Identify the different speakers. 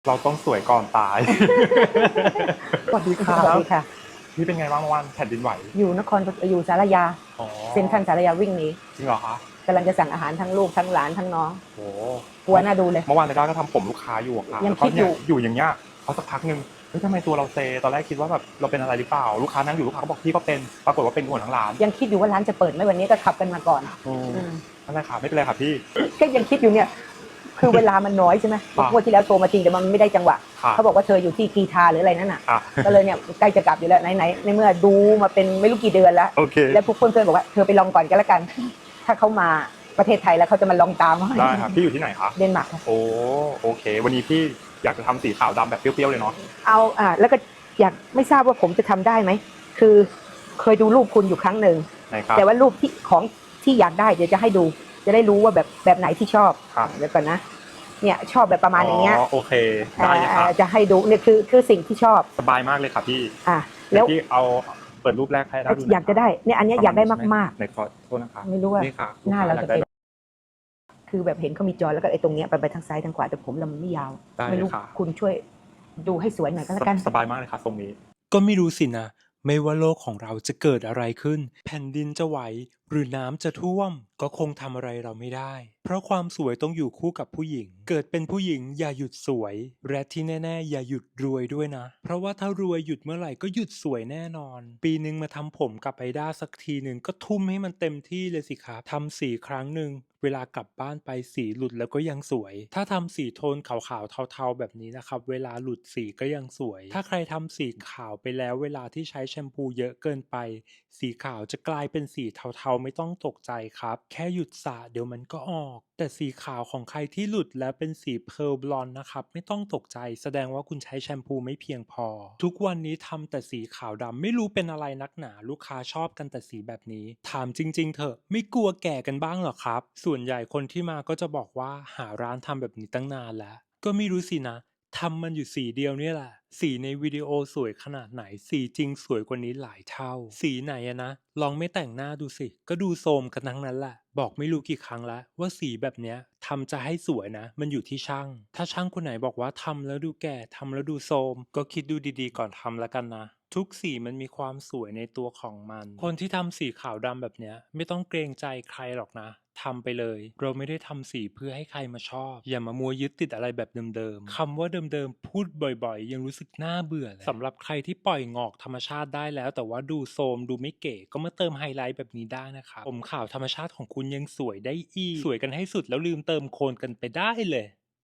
Speaker 1: เราต้องสวยก่อนตาย สวัสดีครั
Speaker 2: สวัส
Speaker 1: บ
Speaker 2: ดีค่ะ
Speaker 1: พี่เป็นไงบ้างเมื่อวานแผ่นดินไหว
Speaker 2: อยู่นครอยู่สารยา
Speaker 1: อ๋อ
Speaker 2: เซ็นทรัลสารยาวิ่งหนี
Speaker 1: จริงเหรอคะ
Speaker 2: กำลังจะสั่งอาหารทั้งลูกทั้งหลานทั้งน้อง
Speaker 1: โห
Speaker 2: กลัวน่าดูเลย
Speaker 1: เมื่อวานในด้าก็ทำผมลูกค้าอยู่อะค่ะ
Speaker 2: ยัง
Speaker 1: แล้วก็เนี่
Speaker 2: คิดอยู่
Speaker 1: อยู่อย่างเงี้ยพอสักพักหนึ่งเฮ้ยทำไมตัวเราเซตอนแรกคิดว่าแบบเราเป็นอะไรหรือเปล่าลูกค้านั่งอยู่ลูกค้าก็บอกพี่ก็เป็นปรากฏว่าเป็นหัวทั้งร้าน
Speaker 2: ยังคิดอยู่ว่าร้านจะเปิดไหมวันนี้ก็ขับกันมาก่อน
Speaker 1: อืม
Speaker 2: อืม
Speaker 1: นั่นแหละค่ะไม่เป็นไรค่ะพี่
Speaker 2: ก็ยังคิดอยู่เนี่ยคือเวลามันน้อยใช่ไหม
Speaker 1: ครับ
Speaker 2: งวดที่แล้วโทรมาจริงแต่มันไม่ได้จังหวะ
Speaker 1: ค่ะ
Speaker 2: เขาบอกว่าเธออยู่ที่กีทาหรืออะไรนั่นน่ะ
Speaker 1: ค่ะ
Speaker 2: ก็เลยเนี่ยใกล้จะกลับอยู่แล้วไหนในเมื่อดูมาเป็นไม่รู้กี่เดือนแล้ว
Speaker 1: โอเค
Speaker 2: แล้วพวกเพื่อนๆบอกว่าเธอไปลองก่อนก็แล้วกัน ถ้าเขามาประเทศไทยแล้วเขาจะมาลองตาม
Speaker 1: ได้ครับพี่อยู่ที่ไหนคะ
Speaker 2: เดนมาร์กค่ะ
Speaker 1: โอ้โอเค วันนี้พี่อยากจะทำสีขาวดำแบบเปรี้ยวๆเลยเนาะ
Speaker 2: เอาแล้วก็อยากไม่ทราบว่าผมจะทำได้ไหมคือเคยดูรูปคุณอยู่ครั้งหนึ่ง
Speaker 1: ไหนครับ
Speaker 2: แต่ว่ารูปที่อยากได้เดี๋ยวจะให้ดูจะได้รู้ว่าแบบไหนที่ชอบ
Speaker 1: ครับ
Speaker 2: เดี๋ยวก่อนนะเนี่ยชอบแบบประมาณอย่างเงี้ย
Speaker 1: โอเคได้เลยครับ
Speaker 2: จะให้ดูเนี่ยคือสิ่งที่ชอบ
Speaker 1: สบายมากเลยค่ะพี่
Speaker 2: แล้ว
Speaker 1: พี่เอาเปิดรูปแรกให้ได้ดู
Speaker 2: อยากจะได้เนี่ยอันเนี้ยอยากได้มาก
Speaker 1: ๆในขอโทษนะคะ
Speaker 2: ๆไม่รู้ว่า
Speaker 1: นี่ค่ะ
Speaker 2: หน้าเรา
Speaker 1: อย
Speaker 2: จะ
Speaker 1: กได้
Speaker 2: เป็นคือแบบเห็นเขามีจอแล้วก็ไอ้ตรงเนี้ยไปทางซ้ายทางขวาแต่ผมเรามันไม่ยาว
Speaker 1: ได้
Speaker 2: ไม่รู้
Speaker 1: ค่ะ
Speaker 2: คุณช่วยดูให้สวยหน่อยก็แล้วกัน
Speaker 1: สบายมากเลยค่ะทรงนี้
Speaker 3: ก็ไม่รู้สินะ ไม่ว่าโลกของเราจะเกิดอะไรขึ้น แผ่นดินจะไหว หรือน้ำจะท่วม ก็คงทำอะไรเราไม่ได้ เพราะความสวยต้องอยู่คู่กับผู้หญิง เกิดเป็นผู้หญิงอย่าหยุดสวย และที่แน่ๆอย่าหยุดรวยด้วยนะ เพราะว่าถ้ารวยหยุดเมื่อไหร่ก็หยุดสวยแน่นอน ปีนึงมาทำผมกับไอด้าสักทีหนึ่งก็ทุ่มให้มันเต็มที่เลยสิครับทำสีครั้งหนึ่ง เวลากลับบ้านไปสีหลุดแล้วก็ยังสวย ถ้าทำสีโทนขาวๆเทาๆแบบนี้นะครับ เวลาหลุดสีก็ยังสวย ถ้าใครทำสีขาวไปแล้วเวลาที่ใช้แชมพูเยอะเกินไป สีขาวจะกลายเป็นสีเทาๆไม่ต้องตกใจครับ แค่หยุดสระเดี๋ยวมันก็ออก แต่สีขาวของใครที่หลุดแล้วเป็นสีเพร์ลบลอนด์นะครับไม่ต้องตกใจ แสดงว่าคุณใช้แชมพูไม่เพียงพอ ทุกวันนี้ทำแต่สีขาวดำไม่รู้เป็นอะไรนักหนาลูกค้าชอบกันแต่สีแบบนี้ ถามจริงๆเถอะไม่กลัวแก่กันบ้างเหรอครับ ส่วนใหญ่คนที่มาก็จะบอกว่าหาร้านทำแบบนี้ตั้งนานแล้ว ก็ไม่รู้สินะ ทำมันอยู่สีเดียวเนี่ยแหละ สีในวิดีโอสวยขนาดไหน สีจริงสวยกว่านี้หลายเท่า สีไหนอะนะ ลองไม่แต่งหน้าดูสิ ก็ดูโทรมกันทั้งนั้นแหละ บอกไม่รู้กี่ครั้งแล้วว่าสีแบบเนี้ยทำจะให้สวยนะ มันอยู่ที่ช่าง ถ้าช่างคนไหนบอกว่าทำแล้วดูแก่ทำแล้วดูโทรมก็คิดดูดีๆก่อนทำแล้วกันนะ ทุกสีมันมีความสวยในตัวของมัน คนที่ทำสีขาวดำแบบเนี้ยไม่ต้องเกรงใจใครหรอกนะ ทำไปเลย เราไม่ได้ทำสีเพื่อให้ใครมาชอบ อย่ามามัวยึดติดอะไรแบบเดิมๆ คำว่าเดิมๆ พูดบ่อยๆ ยังรู้สึกน่าเบื่อเลยสำหรับใครที่ปล่อยงอกธรรมชาติได้แล้ว แต่ว่าดูโทรมดูไม่เก๋ก็มาเติมไฮไลท์แบบนี้ได้นะครับผมขาวธรรมชาติของคุณยังสวยได้อีก สวยกันให้สุดแล้วลืมเติมโคนกันไปได้เลย